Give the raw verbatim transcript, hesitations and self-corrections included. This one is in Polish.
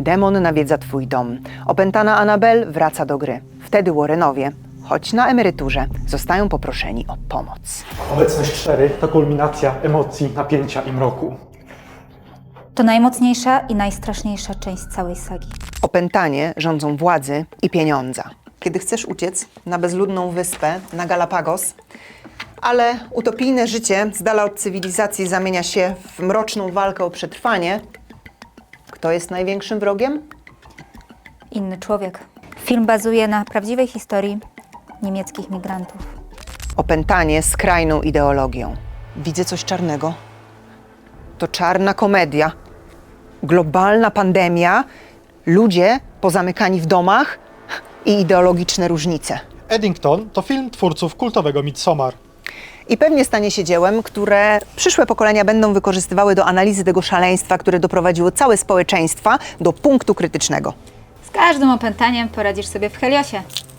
Demon nawiedza twój dom. Opętana Annabelle wraca do gry. Wtedy Warrenowie, choć na emeryturze, zostają poproszeni o pomoc. Obecność cztery to kulminacja emocji, napięcia i mroku. To najmocniejsza i najstraszniejsza część całej sagi. Opętanie rządzą władzy i pieniądza. Kiedy chcesz uciec na bezludną wyspę, na Galapagos, ale utopijne życie z dala od cywilizacji zamienia się w mroczną walkę o przetrwanie, kto jest największym wrogiem? Inny człowiek. Film bazuje na prawdziwej historii niemieckich migrantów. Opętanie skrajną ideologią. Widzę coś czarnego. To czarna komedia. Globalna pandemia, ludzie pozamykani w domach i ideologiczne różnice. Eddington to film twórców kultowego Midsommar. I pewnie stanie się dziełem, które przyszłe pokolenia będą wykorzystywały do analizy tego szaleństwa, które doprowadziło całe społeczeństwa do punktu krytycznego. Z każdym opętaniem poradzisz sobie w Heliosie.